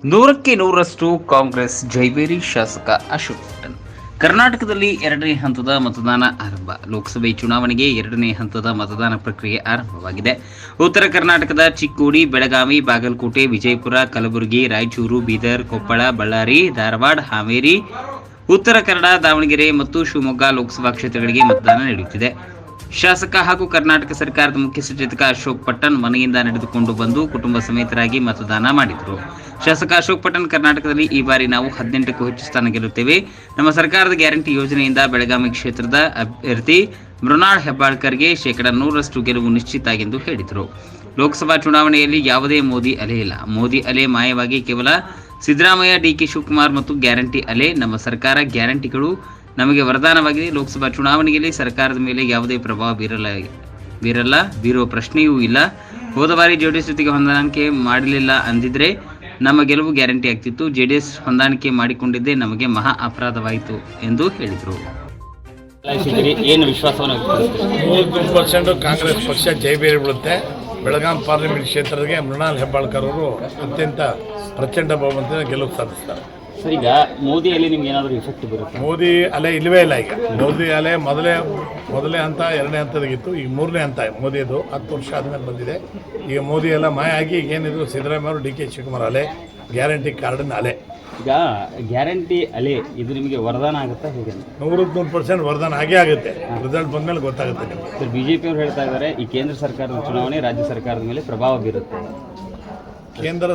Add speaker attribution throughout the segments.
Speaker 1: ನೂರಕ್ಕೆ ನೂರರಷ್ಟು ಕಾಂಗ್ರೆಸ್ ಜೈಬೇರಿ ಶಾಸಕ ಅಶೋಕ್ ಪಟ್ಟಣ್. ಕರ್ನಾಟಕದಲ್ಲಿ ಎರಡನೇ ಹಂತದ ಮತದಾನ ಆರಂಭ. ಲೋಕಸಭೆ ಚುನಾವಣೆಗೆ ಎರಡನೇ ಹಂತದ ಮತದಾನ ಪ್ರಕ್ರಿಯೆ ಆರಂಭವಾಗಿದೆ. ಉತ್ತರ ಕರ್ನಾಟಕದ ಚಿಕ್ಕೋಡಿ, ಬೆಳಗಾವಿ, ಬಾಗಲಕೋಟೆ, ವಿಜಯಪುರ, ಕಲಬುರಗಿ, ರಾಯಚೂರು, ಬೀದರ್, ಕೊಪ್ಪಳ, ಬಳ್ಳಾರಿ, ಧಾರವಾಡ, ಹಾವೇರಿ, ಉತ್ತರ ಕನ್ನಡ, ದಾವಣಗೆರೆ ಮತ್ತು ಶಿವಮೊಗ್ಗ ಲೋಕಸಭಾ ಕ್ಷೇತ್ರಗಳಿಗೆ ಮತದಾನ ನಡೆಯುತ್ತಿದೆ. ಶಾಸಕ ಹಾಗೂ ಕರ್ನಾಟಕ ಸರ್ಕಾರದ ಮುಖ್ಯ ಸಚೇತಕ ಅಶೋಕ್ ಪಟ್ಟಣ್ ಮನೆಯಿಂದ ನಡೆದುಕೊಂಡು ಬಂದು ಕುಟುಂಬ ಸಮೇತರಾಗಿ ಮತದಾನ ಮಾಡಿದರು. ಶಾಸಕ ಅಶೋಕ್ ಪಟ್ಟಣ್, ಕರ್ನಾಟಕದಲ್ಲಿ ಈ ಬಾರಿ ನಾವು 18ಕ್ಕೂ ಹೆಚ್ಚು ಸ್ಥಾನ ಗೆಲ್ಲುತ್ತೇವೆ. ನಮ್ಮ ಸರ್ಕಾರದ ಗ್ಯಾರಂಟಿ ಯೋಜನೆಯಿಂದ ಬೆಳಗಾವಿ ಕ್ಷೇತ್ರದ ಅಭ್ಯರ್ಥಿ ಮೃಣಾಲ್ ಹೆಬ್ಬಾಳ್ಕರ್ಗೆ 100% ಗೆಲುವು ನಿಶ್ಚಿತ ಎಂದು ಹೇಳಿದರು. ಲೋಕಸಭಾ ಚುನಾವಣೆಯಲ್ಲಿ ಯಾವುದೇ ಮೋದಿ ಅಲೆ ಇಲ್ಲ. ಮೋದಿ ಅಲೆ ಮಾಯವಾಗಿ ಕೇವಲ ಸಿದ್ದರಾಮಯ್ಯ, ಡಿಕೆ ಶಿವಕುಮಾರ್ ಮತ್ತು ಗ್ಯಾರಂಟಿ ಅಲೆ. ನಮ್ಮ ಸರ್ಕಾರ ಗ್ಯಾರಂಟಿಗಳು ನಮಗೆ ವರದಾನವಾಗಿದೆ. ಲೋಕಸಭಾ ಚುನಾವಣೆಯಲ್ಲಿ ಸರ್ಕಾರದ ಮೇಲೆ ಯಾವುದೇ ಪ್ರಭಾವ ಬೀರುವ ಪ್ರಶ್ನೆಯೂ ಇಲ್ಲ. ಹೋದ ಬಾರಿ ಜೆಡಿಎಸ್ ಜೊತೆಗೆ ಹೊಂದಾಣಿಕೆ ಮಾಡಲಿಲ್ಲ ಅಂದಿದ್ರೆ ನಮ್ಮ ಗೆಲುವು ಗ್ಯಾರಂಟಿ ಆಗ್ತಿತ್ತು. ಜೆಡಿಎಸ್ ಹೊಂದಾಣಿಕೆ ಮಾಡಿಕೊಂಡಿದ್ದೇ ನಮಗೆ ಮಹಾ ಅಪರಾಧವಾಯಿತು ಎಂದು ಹೇಳಿದರು.
Speaker 2: ಏನು ವಿಶ್ವಾಸವನ್ನು
Speaker 3: 100% ಕಾಂಗ್ರೆಸ್ ಪಕ್ಷ ಜೈಬೇರಿ ಬಿಡುತ್ತೆ. ಬೆಳಗಾಂ ಪಾರ್ಲಿಮೆಂಟ್ ಕ್ಷೇತ್ರಕ್ಕೆ ಮೃಣಾಲ್ ಹೆಬ್ಬಾಳ್ಕರ್ ಅವರು ಅತ್ಯಂತ ಪ್ರಚಂಡ ಬಹುಮತದಿಂದ ಗೆಲುವು ಸಾಧಿಸ್ತಾರೆ.
Speaker 2: ಸರ್, ಈಗ ಮೋದಿ ಅಲೆ ನಿಮ್ಗೆ ಏನಾದರೂ ಇಫೆಕ್ಟ್ ಬರುತ್ತೆ?
Speaker 3: ಮೋದಿ ಅಲೆ ಇಲ್ಲವೇ ಇಲ್ಲ. ಈಗ ಮೋದಿ ಅಲೆ ಮೊದಲೇ ಹಂತ, ಎರಡನೇ ಹಂತದಾಗಿತ್ತು. ಈಗ ಮೂರನೇ ಹಂತ ಮೋದಿದು 10 ವರ್ಷ ಆದಮೇಲೆ ಬಂದಿದೆ. ಈಗ ಮೋದಿ ಎಲ್ಲ ಮಾಯ ಆಗಿ ಈಗ ಏನಿದ್ರು ಸಿದ್ದರಾಮಯ್ಯ ಅವರು, ಡಿಕೆ ಶಿವಕುಮಾರ್ ಅಲೆ, ಗ್ಯಾರಂಟಿ ಕಾರ್ಡಿನ ಅಲೆ.
Speaker 2: ಈಗ ಗ್ಯಾರಂಟಿ ಅಲೆ ಇದು ನಿಮಗೆ ವರದಾನ ಆಗುತ್ತಾ ಹೇಗೆ?
Speaker 3: 100% ವರದಾನ ಆಗೇ ಆಗುತ್ತೆ. ರಿಸಲ್ಟ್ ಬಂದಮೇಲೆ ಗೊತ್ತಾಗುತ್ತೆ ನಿಮಗೆ.
Speaker 2: ಸರ್, ಬಿಜೆಪಿ ಅವರು ಹೇಳ್ತಾ ಇದ್ದಾರೆ ಈ ಕೇಂದ್ರ ಸರ್ಕಾರದ ಚುನಾವಣೆ ರಾಜ್ಯ ಸರ್ಕಾರದ ಮೇಲೆ ಪ್ರಭಾವ ಬೀರುತ್ತೆ.
Speaker 3: ಕೇಂದ್ರ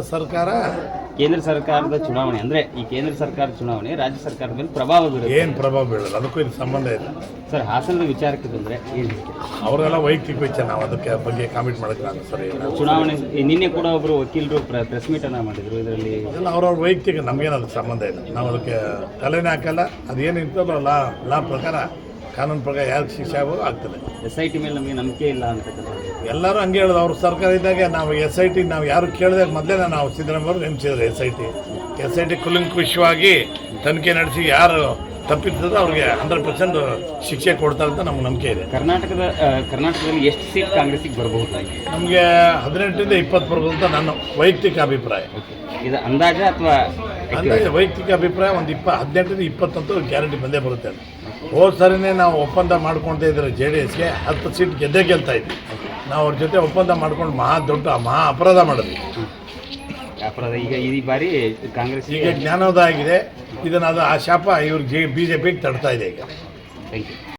Speaker 2: ಸರ್ಕಾರದ ಚುನಾವಣೆ ಅಂದರೆ ಈ ಕೇಂದ್ರ ಸರ್ಕಾರದ ಚುನಾವಣೆ ರಾಜ್ಯ ಸರ್ಕಾರದ ಮೇಲೆ ಪ್ರಭಾವ ಬೀರುತ್ತೆ.
Speaker 3: ಏನು ಪ್ರಭಾವ ಬೀಳಲ್ಲ, ಅದಕ್ಕೂ ಇದು ಸಂಬಂಧ ಇದೆ.
Speaker 2: ಸರ್, ಹಾಸನದ ವಿಚಾರಕ್ಕೆ ಬಂದರೆ ಏನು?
Speaker 3: ಅವರೆಲ್ಲ ವೈಯಕ್ತಿಕ ವಿಚಾರ, ನಾವು ಅದಕ್ಕೆ ಬಗ್ಗೆ ಕಾಮೆಂಟ್ ಮಾಡೋಕ್ಕೆ ನಾನು ಸರಿ ಇಲ್ಲ.
Speaker 2: ಚುನಾವಣೆ ನಿನ್ನೆ ಕೂಡ ಒಬ್ಬರು ವಕೀಲರು ಪ್ರೆಸ್ ಮೀಟನ್ನು ಮಾಡಿದರು. ಇದರಲ್ಲಿ
Speaker 3: ಎಲ್ಲ ಅವ್ರವ್ರ ವೈಯಕ್ತಿಕ, ನಮಗೇನು ಅದಕ್ಕೆ ಸಂಬಂಧ ಇಲ್ಲ. ನಾವು ಅದಕ್ಕೆ ತಲೆನೇ ಹಾಕಲ್ಲ. ಅದೇನು ಇರ್ತದೋ ಲಾ ಪ್ರಕಾರ, ಕಾನೂನು ಪ್ರಕಾರ ಯಾರಿಗೆ ಶಿಕ್ಷೆ ಆಗೋದು ಆಗ್ತದೆ.
Speaker 2: SIT ಮೇಲೆ ನಮಗೆ ನಂಬಿಕೆ ಇಲ್ಲ ಅಂತಕ್ಕಂಥದ್ದು
Speaker 3: ಎಲ್ಲರೂ ಹಂಗೆ ಹೇಳೋದು. ಅವ್ರ ಸರ್ಕಾರ ಇದ್ದಾಗ ನಾವು SIT ನಾವು ಯಾರು ಕೇಳಿದಾಗ ಮೊದಲೇ ನಾವು ಸಿದ್ದರಾಮಯ್ಯ ಅವರು ನೇಮಿಸಿದ್ರು. SIT ಕುಲಂಕುಷವಾಗಿ ತನಿಖೆ ನಡೆಸಿ ಯಾರು ತಪ್ಪಿರ್ತದೋ ಅವ್ರಿಗೆ 100% ಶಿಕ್ಷೆ ಕೊಡ್ತಾರೆ ಅಂತ ನಮ್ಗೆ ನಂಬಿಕೆ ಇದೆ.
Speaker 2: ಕರ್ನಾಟಕದಲ್ಲಿ ಎಷ್ಟು ಸೀಟ್ ಕಾಂಗ್ರೆಸ್ಸಿಗೆ ಬರಬಹುದು?
Speaker 3: ನಮಗೆ 18ರಿಂದ 20 ಬರ್ಬೋದು ಅಂತ ನನ್ನ ವೈಯಕ್ತಿಕ ಅಭಿಪ್ರಾಯ.
Speaker 2: ಇದು ಅಂದಾಜ ಅಥವಾ
Speaker 3: ವೈಯಕ್ತಿಕ ಅಭಿಪ್ರಾಯ? ಒಂದು 18ರಿಂದ 20 ಅಂತೂ ಗ್ಯಾರಂಟಿ ಬಂದೇ ಬರುತ್ತೆ. ಹೋದ ಸರಿನೇ ನಾವು ಒಪ್ಪಂದ ಮಾಡ್ಕೊಳ್ತಾ ಇದ್ರೆ JDSಗೆ 10 ಸೀಟ್ ಗೆಲ್ತಾ ಇದ್ವಿ. ನಾವು ಅವ್ರ ಜೊತೆ ಒಪ್ಪಂದ ಮಾಡ್ಕೊಂಡು ಮಹಾ ಅಪರಾಧ ಮಾಡಿದ್ವಿ.
Speaker 2: ಅಪರಾಧ ಈಗ ಈ ಬಾರಿ ಕಾಂಗ್ರೆಸ್
Speaker 3: ಈಗ ಜ್ಞಾನೋದಯ ಆಗಿದೆ. ಇದನ್ನು ಆ ಶಾಪ ಇವ್ರಿಗೆ BJPಗೆ ತಡ್ತಾ ಇದೆ ಈಗ.
Speaker 2: Thank you.